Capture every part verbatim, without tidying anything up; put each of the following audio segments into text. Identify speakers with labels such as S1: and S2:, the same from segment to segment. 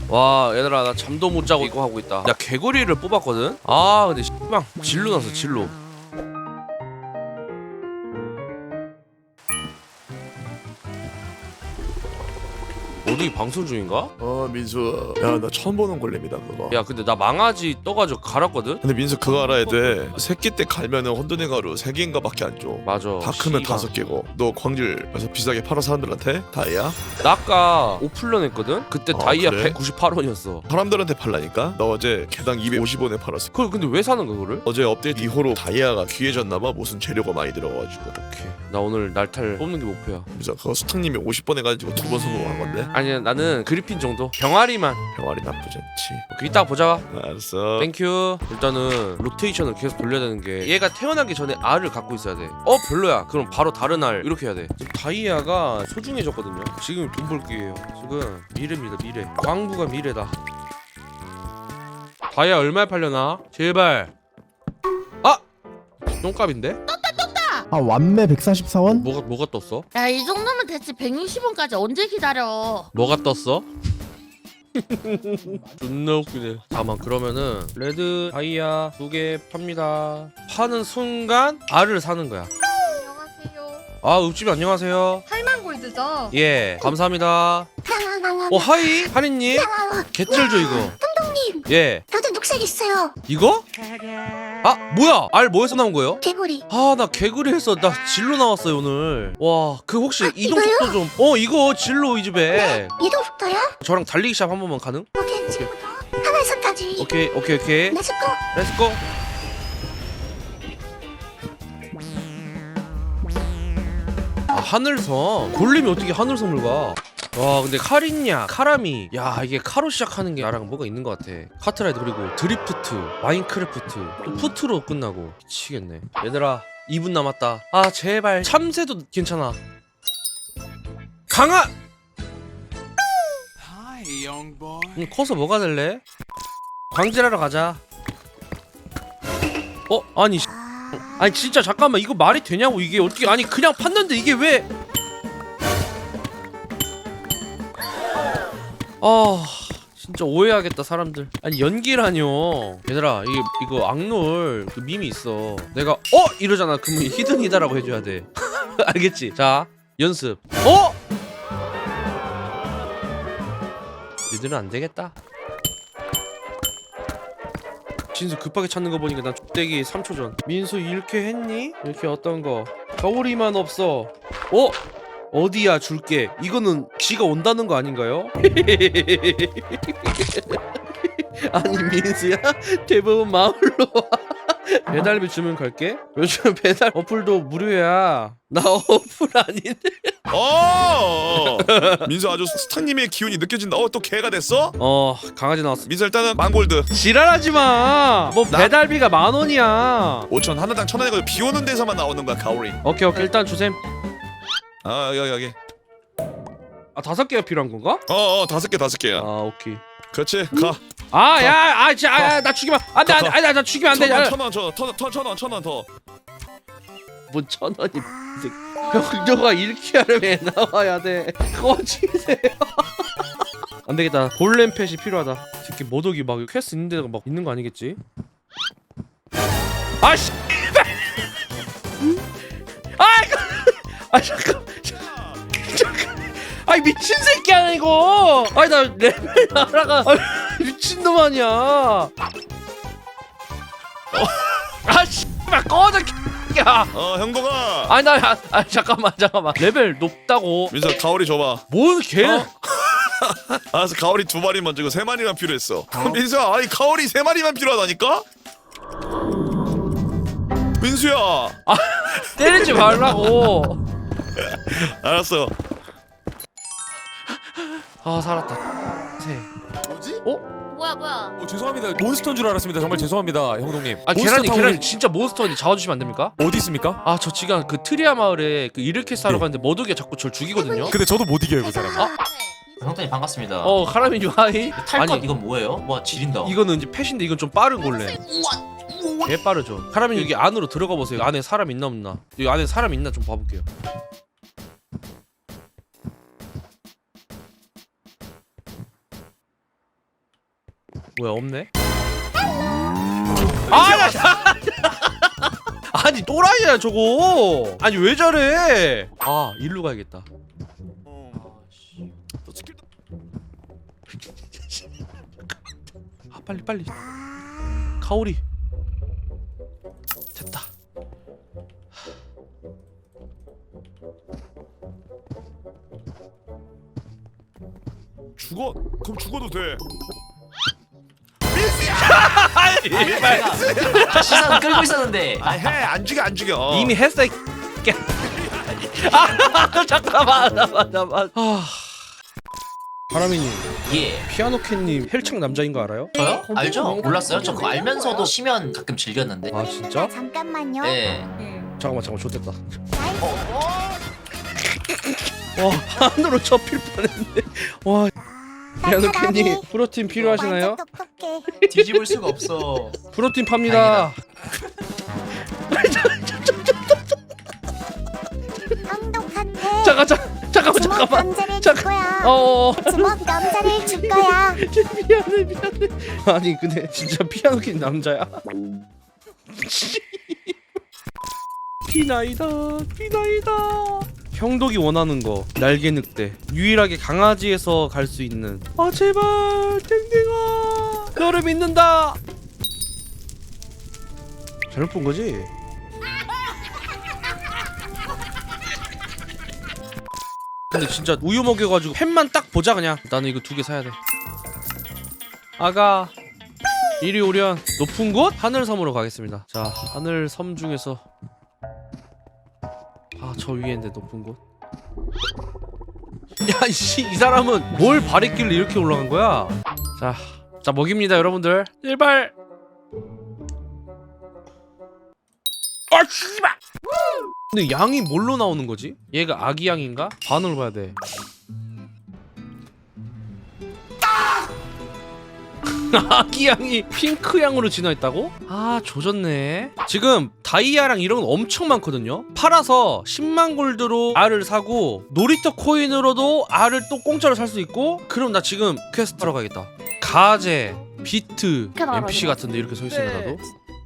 S1: 와 얘들아 나 잠도 못 자고 이거 하고 있다. 야 개구리를 뽑았거든. 아 근데 씨방 진로 났어 진로. 어디 방송 중인가?
S2: 어 민수 야 나 처음 보는 골렘이다 그거.
S1: 야 근데 나 망아지 떠가지고 갈았거든?
S2: 근데 민수 그거 알아야 돼. 새끼 때 갈면은 혼돈의 가루 세 개인가 밖에 안 줘.
S1: 맞아.
S2: 다 크면
S1: 씨발.
S2: 다섯 개고. 너 광질 그래서 비싸게 팔아 사람들한테 다이아?
S1: 나 아까 오플런 했거든? 그때
S2: 아,
S1: 다이아
S2: 그래?
S1: 백구십팔 원이었어.
S2: 사람들한테 팔라니까? 나 어제 개당 이백오십 원에 팔았어.
S1: 그걸 근데 왜 사는 거야 그거를?
S2: 어제 업데이트 이후로 다이아가 귀해졌나봐. 무슨 재료가 많이 들어가가지고.
S1: 오케이 나 오늘 날탈 뽑는 게 목표야.
S2: 그래서 그거 수탁님이 오십 번 해가지고 두 번 성공한 건데.
S1: 아니야 나는 그리핀 정도 병아리만.
S2: 병아리 나쁘지 않지.
S1: 오케이 이따가 보자.
S2: 알았어.
S1: 땡큐. 일단은 로테이션을 계속 돌려야 되는 게 얘가 태어나기 전에 알을 갖고 있어야 돼. 어 별로야. 그럼 바로 다른 알 이렇게 해야 돼. 지금 다이아가 소중해졌거든요. 지금 돈 벌 기회예요. 지금 미래입니다 미래. 광부가 미래다. 다이아 얼마에 팔려나? 제발. 아! 똥값인데?
S3: 아 완매 백사십사 원?
S1: 뭐가 뭐가 떴어?
S4: 야, 이 정도면 대체 백육십 원까지 언제 기다려?
S1: 뭐가 떴어? 존나 웃기네. 잠깐만 그러면은 레드 다이아 두 개 팝니다. 파는 순간 알을 사는 거야.
S4: 안녕하세요.
S1: 아 읍집 안녕하세요.
S4: 팔만 골드죠?
S1: 예 감사합니다. 어 하이 하리님 개쩔죠 이거.
S5: 감독님,
S1: 예
S5: 저도 녹색 있어요.
S1: 이거? 아 뭐야 알 뭐에서 나온 거예요?
S5: 개구리.
S1: 아 나 개구리 했어. 나 진로 나왔어요 오늘. 와 그 혹시
S5: 아,
S1: 이동 속도 좀. 어 이거 진로 이 집에.
S5: 이동 속도요?
S1: 저랑 달리기 시합 한 번만 가능?
S5: 오케이, 친구도. 하나에서까지.
S1: 오케이 오케이 오케이.
S5: 렛츠고.
S1: 렛츠고. 아 하늘섬 골렘이 어떻게 하늘섬을 가? 와 근데 카린냐 카라미 야 이게 카로 시작하는 게 나랑 뭐가 있는 것 같아. 카트라이드 그리고 드리프트 마인크래프트 또 푸트로 끝나고 미치겠네. 얘들아 이 분 남았다. 아 제발 참새도 괜찮아. 강아 음, 커서 뭐가 될래? 광질하러 가자. 어 아니 씨. 아니 진짜 잠깐만 이거 말이 되냐고. 이게 어떻게 아니 그냥 팠는데 이게 왜 아 진짜 오해하겠다 사람들. 아니 연기라뇨. 얘들아 이게 이거 악놀 그 밈이 있어. 내가 어 이러잖아 그러면 히든이다라고 해줘야 돼. 알겠지? 자 연습. 어? 니들은 안 되겠다. 진수 급하게 찾는 거 보니까 난 족대기 삼 초 전. 민수 이렇게 했니? 이렇게 어떤 거? 겨울이만 없어. 어? 어디야 줄게. 이거는 지가 온다는 거 아닌가요? 아니 민수야 대부분 마을로 와. 배달비 주면 갈게. 요즘 배달 어플도 무료야. 나 어플 아닌데.
S2: 어 민수 아주 수탁님의 기운이 느껴진다. 어 또 개가 됐어?
S1: 어 강아지 나왔어.
S2: 민수 일단은 만골드
S1: 지랄하지 마. 뭐
S2: 나-
S1: 배달비가 만 원이야.
S2: 오천 하나당 천 원이고 비 오는 데서만 나오는 거야 가오리.
S1: 오케이 오케이 일단 주셈.
S2: 아 여기 여기.
S1: 아 다섯 개가 필요한 건가?
S2: 어어 다섯 개 다섯 개야.
S1: 아 오케이.
S2: 그렇지 가.
S1: 아 야 아 진짜 아, 나 죽이면 안돼 안돼 안돼 나 죽이면 안돼.
S2: 천원 천원 천원 천원 더.
S1: 뭔천 원이 병조가 이렇게 하려면 애 나와야 돼. 꺼지세요. 안 되겠다. 골렘 펫이 필요하다. 특히 모독이 막 퀘스트 있는 데가 막 있는 거 아니겠지? 아씨. 아 이거. 아 잠깐. 잠깐. 아이 미친 새끼야 이거. 아니 나 레벨 날아가. 아, 미친놈 아니야. 아씨. 꺼져. 야.
S2: 어 형동아.
S1: 아니 나 아, 아, 잠깐만 잠깐만 레벨 높다고.
S2: 민수 가오리 줘봐.
S1: 뭔 개?
S2: 어? 알았어 가오리 두 마리만 주고 세 마리만 필요했어. 민수야 아니 가오리 세 마리만 필요하다니까? 민수야.
S1: 아 때리지 말라고.
S2: 알았어.
S1: 아 살았다. 세.
S6: 뭐지?
S4: 뭐야, 뭐야?
S6: 어, 죄송합니다. 몬스터인 줄 알았습니다. 정말 죄송합니다, 형동님.
S1: 아
S6: 몬스터
S1: 계란이
S6: 타워
S1: 계란이 진짜 몬스터인데 잡아주시면 안 됩니까?
S6: 어디 있습니까?
S1: 아 저 지금 그 트리아 마을에 그 이르케스 하러
S6: 네.
S1: 가는데 머독이가 자꾸 저를 죽이거든요.
S6: 근데 저도 못 이겨요, 그 사람.
S1: 아?
S7: 형님 반갑습니다.
S1: 어 카라미뉴 하이.
S7: 탈 것
S1: 아니
S7: 이건 뭐예요? 와 지린다.
S1: 이거는 이제 펫인데 이건 좀 빠른 골렘. 개 빠르죠. 카라미뉴 여기 안으로 들어가 보세요. 안에 사람 있나 없나? 여기 안에 사람 있나 좀 봐볼게요. 뭐야 없네? 아야 아니 또라이야 저거. 아니 왜 저래? 아 일로 가야겠다.
S2: 너 스킬도
S1: 아 빨리 빨리. 카오리 됐다.
S2: 죽어. 그럼 죽어도 돼.
S7: 제가 시선 끌고 있었는데.
S2: 아 해. 안 죽여 안 죽여.
S1: 이미 했어 이 개. 아 잠깐만 잠깐만 잠깐만. 아 바람이님
S7: 예.
S1: 피아노 캣님 헬창 남자인 거 알아요?
S7: 저요? 알죠? 몰랐어요? 저 그거 알면서도 쉬면 가끔 즐겼는데.
S1: 아 진짜?
S5: 잠깐만요.
S7: 네.
S1: 잠깐만 잠깐만 좋됐다.
S5: 어,
S1: 와 한으로 접힐 뻔했는데. 와 피아노 캣님 프로틴 필요하시나요?
S5: 완전 똑똑해.
S7: 뒤집을 수가 없어.
S1: 프로틴 팝니다.
S5: 똑똑한데.
S1: 잠깐 잠깐 잠깐만
S5: 주먹
S1: 잠깐만.
S5: 감자를 줄
S1: 잠깐.
S5: 거야.
S1: 어.
S5: 주먹 감자를 줄 거야.
S1: 미안해 미안해. 아니 근데 진짜 피아노 캣 남자야. 피나이다 피나이다. 형독이 원하는 거 날개 늑대 유일하게 강아지에서 갈 수 있는. 아 제발 땡땡아 너를 믿는다. 잘못 본 거지? 근데 진짜 우유 먹여가지고 펜만 딱 보자 그냥. 나는 이거 두 개 사야 돼. 아가 이리 오련. 높은 곳 하늘섬으로 가겠습니다. 자 하늘섬 중에서 아 저 위에 있는데 높은 곳. 야이씨 이 사람은 뭘 바랬길래 이렇게 올라간 거야? 자, 자 먹입니다 여러분들. 제발. 아 씨발. 근데 양이 뭘로 나오는 거지? 얘가 아기 양인가? 반으로 봐야 돼. 아기 양이 핑크 양으로 진화했다고? 아 조졌네. 지금 다이아랑 이런 건 엄청 많거든요. 팔아서 십만 골드로 알을 사고 놀이터 코인으로도 알을 또 공짜로 살 수 있고. 그럼 나 지금 퀘스트 하러 가겠다. 가제, 비트,
S4: 나와라,
S1: 엠피씨
S4: 이거.
S1: 같은데 이렇게 서 있으면 나도.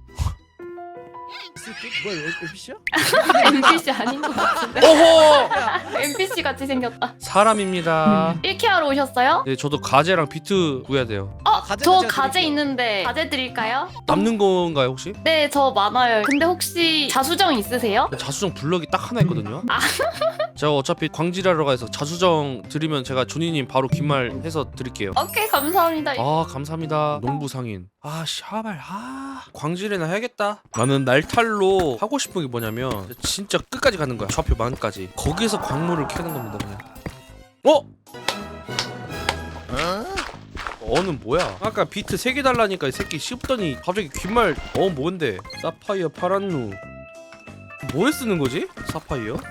S3: 뭐야 엠피씨야?
S4: 엠피씨 아닌 것 같은데.
S1: 오호!
S4: 엠피씨 같이 생겼다.
S1: 사람입니다.
S4: 일 케 하러 오셨어요?
S1: 네, 저도 가제랑 비트 구해야 돼요.
S4: 어,
S3: 가제는
S4: 저
S3: 제가
S4: 가제
S3: 드릴게요.
S4: 있는데 가제 드릴까요?
S1: 남는 건가요 혹시?
S4: 네, 저 많아요. 근데 혹시 자수정 있으세요?
S1: 자수정 블럭이 딱 하나 있거든요. 제가 어차피 광질하러 가서 자수정 드리면 제가 준이님 바로 긴말 해서 드릴게요.
S4: 오케이, 감사합니다.
S1: 아 감사합니다. 농부 상인. 아 샤발. 아 광질이나 해야겠다. 나는 날탈로 하고 싶은 게 뭐냐면 진짜 끝까지 가는 거야. 좌표 만까지. 거기서 광물을 캐는 겁니다 그냥. 어? 어는 뭐야? 아까 비트 세 개 달라니까 이 새끼 씹더니 갑자기 귓말 어 뭔데? 사파이어 파란누. 뭐에 쓰는 거지? 사파이어? 어?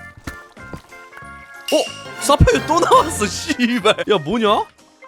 S1: 사파이어 또 나왔어 씨발. 야 뭐냐?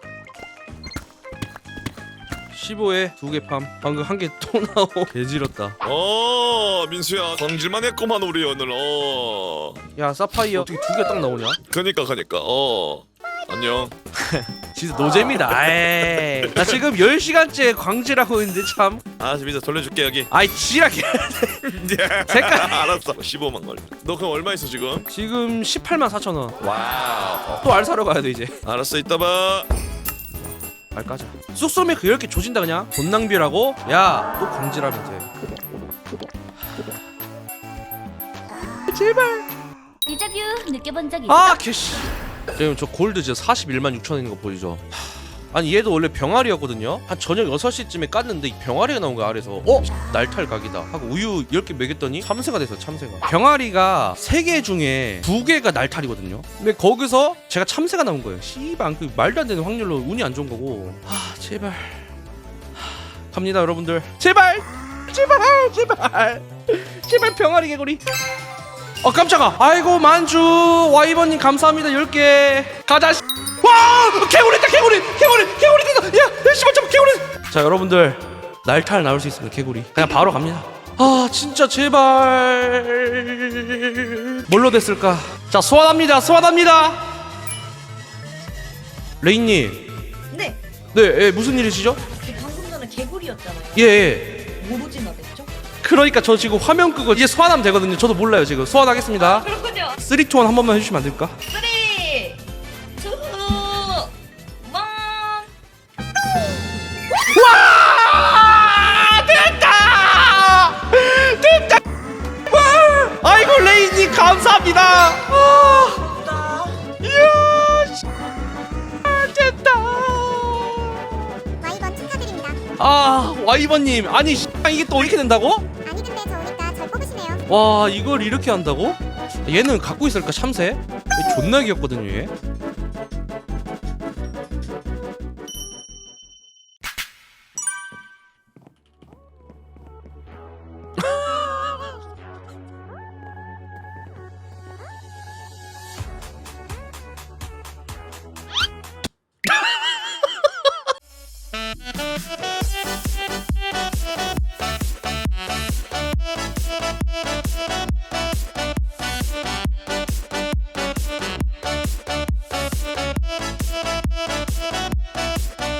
S1: 십오에 두 개 팜. 방금 한 개 또 나오. 개지렸다.
S2: 어 민수야 광질만 했구만 우리 오늘. 어
S1: 야 사파이어 어떻게 두 개 딱 나오냐?
S2: 그니까 그니까 어 안녕.
S1: 진짜 노잼이다. 에이. 나 지금 열 시간째 광질하고 있는데 참.
S2: 아 민수 돌려줄게 여기.
S1: 아이 지랄게. 색깔.
S2: 알았어. 십오만 걸. 너 그럼 얼마 있어 지금?
S1: 지금 십팔만 사천 원.
S2: 와우.
S1: 또 알 사러 가야 돼 이제.
S2: 알았어 이따 봐.
S1: 알 까자. 쑥소매 그 이렇게 조진다 그냥. 돈 낭비라고? 야, 또 광질하면 돼. 제발.
S5: 디자뷰 느껴본 적
S1: 아, 개씨. 지금 저 골드 진짜 사십일만 육천 원 있는 거 보이죠? 아니 얘도 원래 병아리였거든요. 한 저녁 여섯 시쯤에 깠는데 이 병아리가 나온 거야 아래서. 어? 날탈 각이다 하고 우유 열 개 먹였더니 참새가 됐어. 참새가. 병아리가 세 개 중에 두 개가 날탈이거든요. 근데 거기서 제가 참새가 나온 거예요. 씨발 그 말도 안 되는 확률로 운이 안 좋은 거고. 아 제발. 하, 갑니다 여러분들. 제발. 제발 제발. 제발 병아리 개구리. 어 깜짝아. 아이고 만주 와이번님 감사합니다. 열 개 가자. 씨. 와 개구리 있다. 개구리 개구리 개구리 있다. 야 씨발 참 개구리. 자 여러분들 날탈 나올 수 있습니다. 개구리 그냥 바로 갑니다. 아 진짜 제발 뭘로 됐을까. 자 소환합니다. 소환합니다. 레인님.
S5: 네.
S1: 네 예, 무슨 일이시죠?
S5: 방금
S8: 삼이었잖아요.
S1: 예, 예.
S8: 뭐로 진화됐죠?
S1: 그러니까 저 지금 화면 끄고 이제 소환하면 되거든요. 저도 몰라요 지금. 소환하겠습니다.
S8: 그렇군요.
S1: 쓰리, 투, 원 한 번만 해주시면 안 될까?
S8: 쓰리, 투, 원.
S1: 와! 됐다! 됐다! 와! 아이고 레이님 감사합니다. 아! 이야! 씨. 아, 됐다.
S5: 와이번 축하드립니다.
S1: 아 와이번님 아니 씨, 이게 또 이렇게 된다고?
S5: 아니 근데 좋으니까 절 뽑으시네요.
S1: 와 이걸 이렇게 한다고? 얘는 갖고 있을까 참새? 얘 존나 귀엽거든요 얘.